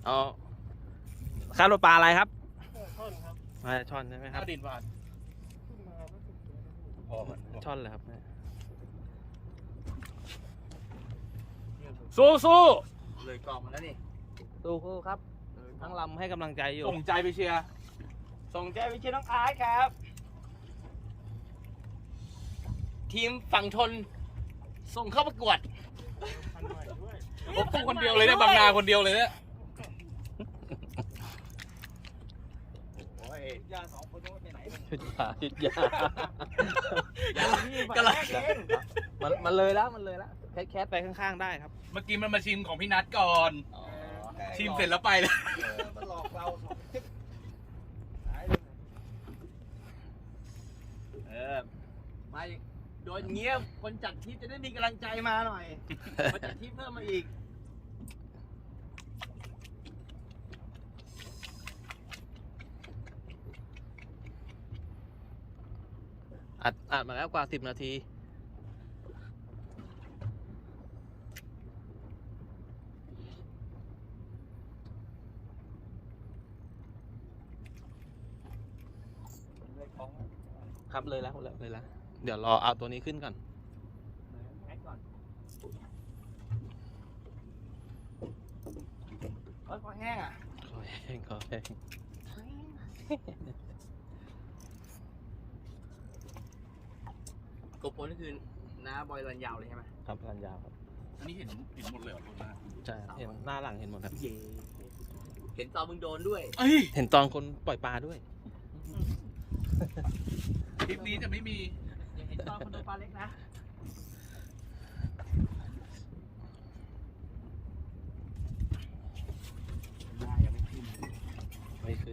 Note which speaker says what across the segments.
Speaker 1: เอาคาดว่าปลาอะไรครับ
Speaker 2: ช่อนครับ
Speaker 1: ช่อนใช่ไหมครับ
Speaker 2: ดินหวาน
Speaker 1: ช่อนเลยครับ
Speaker 2: สู้
Speaker 3: เลยกองมาแล้วนี่
Speaker 1: ดูครับทั้งลำให้กำลังใจอยู่
Speaker 2: ส่งใจไปเชียร์น้องอาร์ตครับ ทีมฝั่งทนส่งเข้าประกวดผมสู้คนเดียวเลยเนี่ยบางนาคนเดียวเลยเนี่ยยาสองคนไปไหน
Speaker 1: ชุดยากำลังมันเลยแล้วแคสไปข้างๆได้ครับ
Speaker 2: เมื่อกี้มันมาชิมของพี่นัทก่อนชิมเสร็จแล้วไปเลย
Speaker 3: มันหลอกเรามาโดนเงี้ยคนจัดทริปจะได้มีกำลังใจมาหน่อยมาจัดทริปเพิ่มมาอีก
Speaker 1: อัดมาแล้วกว่า10 นาทีครับเลยแล้วเดี๋ยวรอเอาตัวนี้ขึ้นก่อน
Speaker 3: คอแห้งอ่ะ
Speaker 1: ขอแห้ง
Speaker 3: กบปนนี่คือน้าบอยรันยาวเลยใช่ไหม
Speaker 1: ครับรันยาวครับ
Speaker 2: อันนี้เห็นหมดเลยเหรอตัวหน้า
Speaker 1: ใช่เห็นหน้าหลังเห็นหมดครับ
Speaker 3: เห็นตอนมึงโดนด้วย
Speaker 1: เห็นตอนคนปล่อยปลาด้วย
Speaker 2: คลิปนี้จะไม่มี
Speaker 3: เห็นตอนคนโดนปลาเล็กนะ
Speaker 1: ไม่ขึ้น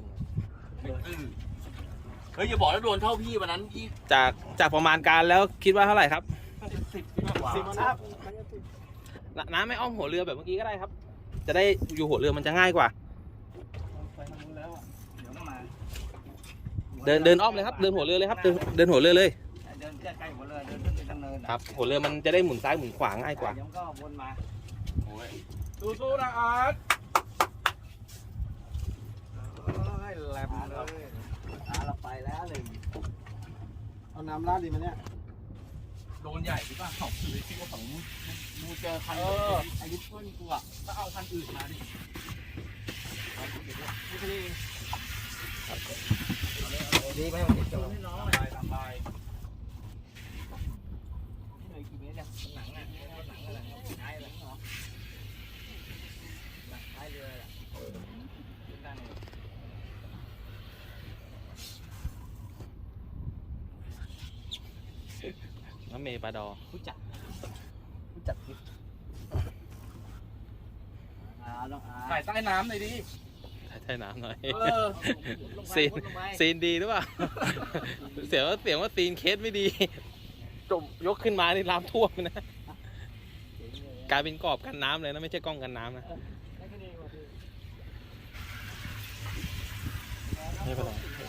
Speaker 3: เฮ้ยอย่าบอกแล้วโดนเท่าพี่วันนั้นพี่
Speaker 1: จากประมาณการแล้วคิดว่าเท่าไหร่ครับ
Speaker 3: 10ครับ
Speaker 1: น้ำไม่อ้อมหัวเรือแบบเมื่อกี้ก็ได้ครับจะได้อยู่หัวเรือมันจะง่ายกว่าเดินอ้อมเลยครับเดินหัวเรือเลยครับเดินหัวเรือเลย
Speaker 3: เดินใกล้หัวเรือเดินขึ้นไปทางเนิน
Speaker 1: ครับหัวเรือมันจะได้หมุนซ้ายหมุนขวาง่ายกว่า
Speaker 3: เดี๋ยวก็วนมา
Speaker 2: สู้นะอาร์ต
Speaker 3: แหลมเลยเราไปแล้วหนึ่ง
Speaker 4: เอาน้ำราดดีไหมเนี่ย
Speaker 2: โดนใหญ่หรือเปล่าหรือที่ว่าฝั่งมูเจอคัน
Speaker 3: ไอ้ดิฟเฟิลกูอ่ะ
Speaker 2: ก็เอาคันอื่นมาดิ
Speaker 3: ไม่ใช่ดีไหมมันจะให้น้องเลย
Speaker 2: สบาย
Speaker 3: เหนื่อยกี่เมตรเนี่ยหนังอ่ะหนังอะไรท้ายหลังเหรอหนังท้ายเรืออ่ะ
Speaker 1: น้ำเมย์ปลาดอ
Speaker 3: ผู้จัดคลิป
Speaker 2: ถ่ายใต้น้ำหน่อยดิ
Speaker 1: ใช่น้ำหน่อยซีนดีหรือเปล่าเสียงว่าซีนเคสไม่ดีจมยกขึ้นมานี่น้ำท่วมนะกลายเป็นกรอบกันน้ำเลยนะไม่ใช่กล้องกันน้ำนะไม่เป็นไร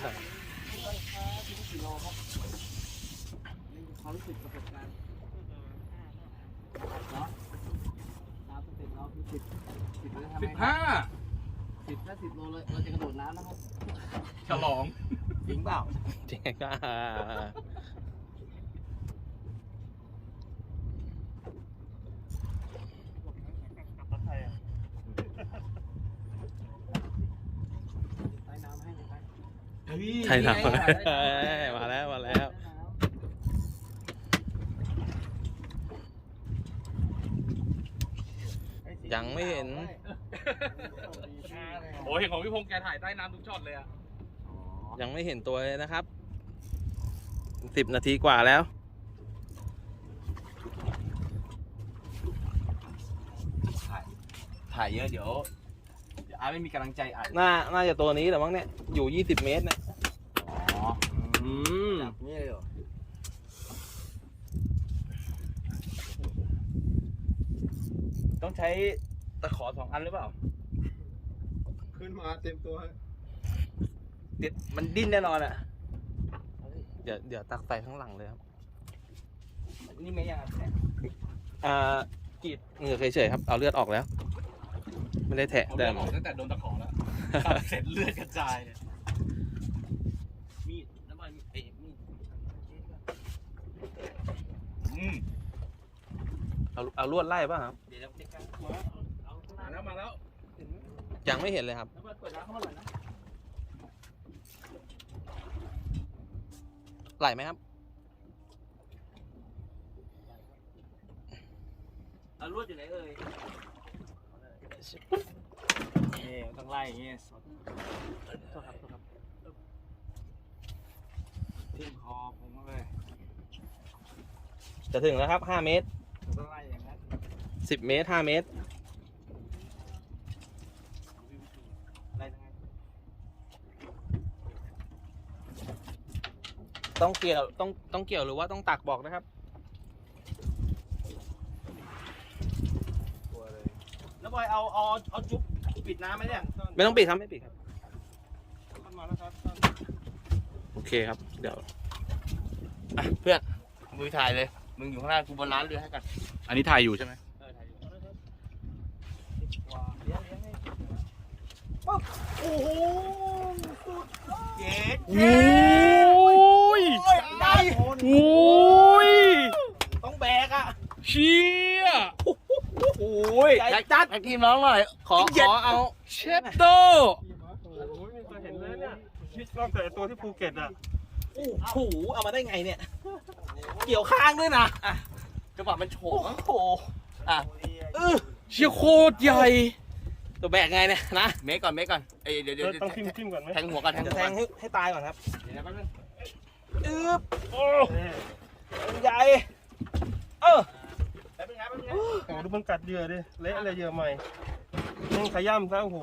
Speaker 3: ความรู้สึกประสบการณ์เนาะ10เราคือถ้า10 โลเลยเราจะกระโดดน้ำนะครับ
Speaker 2: ฉลอง
Speaker 3: จริงเปล่า
Speaker 1: จริงก็ใช่ครับมาแล้วยังไม่เห็น
Speaker 2: โอ้เห็นของพี่พงษ์แกถ่ายใต้น้ำทุกช็อตเลยอะ
Speaker 1: ยังไม่เห็นตัวเลยนะครับ10 นาทีกว่าแล้ว
Speaker 3: ถ่ายเยอะเดี๋ยวอาไม่มีกำลังใจอ่าน
Speaker 1: น่าจะตัวนี้แหละมั้งเนี่ยอยู่20 เมตรเนี่ย
Speaker 3: แบบนี้เลยเหรอต้องใช้ตะขอ2 อันหรือเปล่า
Speaker 4: ขึ้นมาเต็มตัว
Speaker 3: มันดิ้นแน่นอนอ่ะ
Speaker 1: เดี๋ยวตักใส่ข้างหลังเลยครับ
Speaker 3: นี่ไม่ยัง
Speaker 1: กรีดเหงื่อเฉยๆครับเอาเลือดออกแล้วไม่ได้แทะ
Speaker 2: ผม
Speaker 1: ได้
Speaker 2: เลือดออกตั้งแต่โดนตะขอแล้วตัดเสร็จเลือดกระจายเนี่ย
Speaker 3: มีดน้ำมันมีด
Speaker 1: เอาลวดไล่ป่ะครับ
Speaker 3: เดี๋ยวเด็กกัน
Speaker 2: มาแล้ว
Speaker 1: ยังไม่เห็นเลยครับ
Speaker 3: น้ำมันเปิดน้ำเข้ามาหน่อยนะ
Speaker 1: ไหลไหมครับ
Speaker 3: เอาลวดอยู่ไหนเอ่ยนี่ต้องไล่อย่างงี้สดโทษครับทิ่มคอผมเลย
Speaker 1: จะถึงแล้วครับ 5 เมตร
Speaker 3: ต้องไล่อย่างนั้น
Speaker 1: 10 เมตร 5 เมตร
Speaker 3: ไล่ยังไง
Speaker 1: ต้องเกี่ยวต้องเกี่ยวหรือว่าต้องตักบอกนะครับ
Speaker 3: แล้วบอยเอาจุ๊บปิดน้ำไหมเนี่ย
Speaker 1: ไม่ต้องปิดครับไม่ปิดครับ
Speaker 4: ท่านมาแล้วครับท่าน
Speaker 1: โอเคครับ เดี๋ยวอ่ะเพื่อน
Speaker 3: มือถ่ายเลยมึงอยู่ข้างหน้ากูบนร้านเรือให้กัน
Speaker 2: อันนี้ถ่ายอยู่ใช่ไหม
Speaker 3: ถ่ายอยู่เลี้ยงให้ปุ๊บโอ้โหสุดเย็ด
Speaker 2: โอ้ย
Speaker 3: ได้
Speaker 2: โอ้ย
Speaker 3: ต้องแบกอ่ะ
Speaker 2: เชี่ย
Speaker 3: โอ้ยใหญ่จัดทีมน้องหน่อย
Speaker 1: ขอเอา
Speaker 2: เชฟโต
Speaker 4: โอ้ยไม่เคยเห็นเลยเนี่ยคิดนอกจากไอ้ตัวที่ภูเก็ตอ่ะ
Speaker 1: โอ้โหเอามาได้ไงเนี่ย เกี่ยวข้างด้วยนะ
Speaker 3: จังหวะมันโฉ
Speaker 1: โอ้
Speaker 3: บ
Speaker 1: โห
Speaker 3: อ่ะ
Speaker 2: เชี่ยโคตรใหญ่
Speaker 1: ตัวแบกไงเนี่ยนะ
Speaker 3: เมฆก่อนเอ้ยเดี๋ยว
Speaker 4: ต้องทิมก่อนไหม
Speaker 3: แทงหัวก่อน
Speaker 1: จะแทงให้ตายก่อนครับ
Speaker 3: เดี๋ยวแป๊บนึง
Speaker 1: อึ๊บ
Speaker 4: โอ้
Speaker 1: ใหญ่
Speaker 3: แป๊บนึงนะ
Speaker 4: โหดูมันกัดเหยื่อดิเละอะไรเหยื่อใหม่นี่ขย้ำซะโอ้โห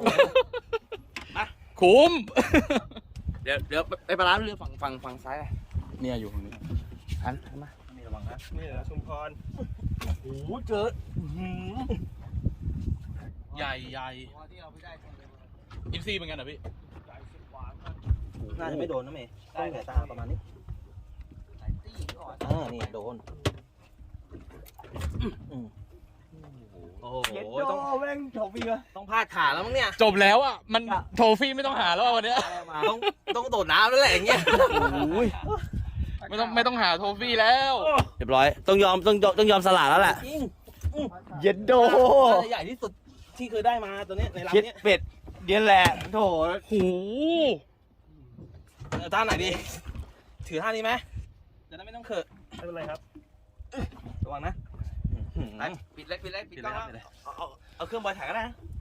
Speaker 2: คุ้ม
Speaker 3: เดี๋ยวไปปลาร้าเรือฝั่งซ้ายอ่ะ
Speaker 2: เนี่ยอยู่ตรงนี้
Speaker 3: หันมา
Speaker 4: นี่ระวังนะนี่เหรอชุมพร
Speaker 3: โอ้โหเจอ
Speaker 2: ใหญ่ใหญ่
Speaker 3: ที่เราไม่ได้
Speaker 2: อินซีเป็นไงนะพี่
Speaker 3: ใหญ่สุดหวาน
Speaker 1: น่าจะไม่โดนนะเมย์ต้องสายตาประมาณนี้
Speaker 3: สายตี้ก่อน
Speaker 1: นี่โดนโอ้โห
Speaker 3: เย็ด
Speaker 1: ต้อง
Speaker 3: โดแม่งโฉบพี่วะ
Speaker 1: ต้องพาดขาแล้วมั้งเนี่ย
Speaker 2: จบแล้วอ่ะ มันโทฟี่ไม่ต้องหาแล้วอะวันเนี้ย
Speaker 1: ต้องโดดน้ำแล้วแหละอย่างเงี้ย
Speaker 2: ไม่ต้องหาโทฟี่แล้ว
Speaker 1: เรียบร้อยต้องยอมสละแล้วแหละ
Speaker 3: เย็ดโด
Speaker 1: น่าจะใหญ่ที่สุดที่เคยได้มาตัวเนี้ยในลำ
Speaker 3: เย็ด
Speaker 1: เนี้ย
Speaker 3: เป็ดเย็นแหละโถ
Speaker 2: โห
Speaker 1: ท่าไหนดี ถือท่านี้ไหมจะได้ไม่ต้องเขอะ
Speaker 4: ไม่เป็นไรครับ
Speaker 1: ระวังนะ
Speaker 3: ปิดเลยปิดกล้องแล้ว
Speaker 1: เอาเครื่องบอยถ่ายก็ได้นะ